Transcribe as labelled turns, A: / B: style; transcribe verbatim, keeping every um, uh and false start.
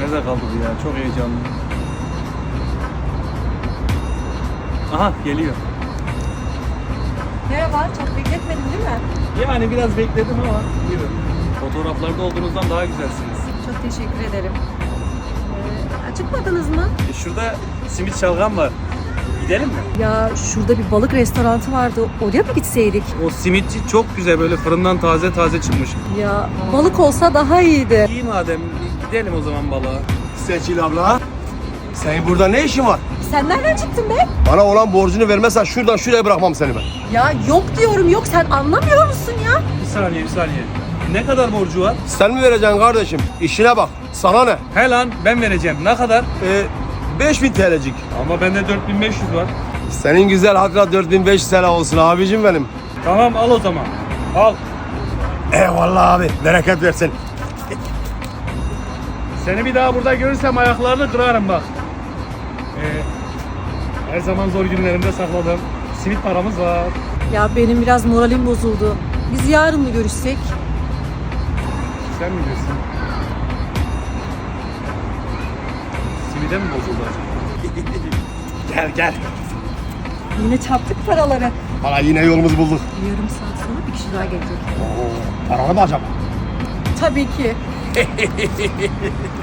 A: Nerede kaldı bu ya? Çok heyecanlı. Aha geliyor.
B: Merhaba, çok bekletmedim değil mi?
A: Yani biraz bekledim ama buyurun. Fotoğraflarda olduğunuzdan daha güzelsiniz.
B: Çok teşekkür ederim. Ee, acıkmadınız mı?
A: E şurada simit şalgam var. Gidelim mi?
B: Ya şurada bir balık restoranı vardı. Oraya mı gitseydik?
A: O simitçi çok güzel, böyle fırından taze taze çıkmış.
B: Ya balık olsa daha iyiydi.
A: İyi madem, gidelim o zaman balığa.
C: Seçil abla. Senin burada ne işin var?
B: Sen nereden çıktın be?
C: Bana olan borcunu vermezsen şuradan şuraya bırakmam seni ben.
B: Ya yok diyorum yok. Sen anlamıyor musun ya?
A: Bir saniye, bir saniye. Ne kadar borcu var?
C: Sen mi vereceksin kardeşim? İşine bak. Sana ne?
A: He lan, ben vereceğim. Ne kadar?
C: Ee, beş bin T L'cik.
A: Ama bende dört bin beş yüz var.
C: Senin güzel hakla dört bin beş yüz T L olsun abicim benim.
A: Tamam, al o zaman. Al.
C: Eyvallah abi. Bereket versin.
A: Seni bir daha burada görürsem ayaklarını kırarım bak. Ee, her zaman zor günlerimde sakladım. Simit paramız var.
B: Ya benim biraz moralim bozuldu. Biz yarın mı görüşsek?
A: Sen mi diyorsun? Simide mi bozuldu acaba?
C: Gel gel.
B: Yine çarptık paraları.
C: Bana yine yolumuzu bulduk.
B: Yarım saat sonra bir kişi daha gelecek.
C: Oo, paralı mı acaba?
B: Tabii ki.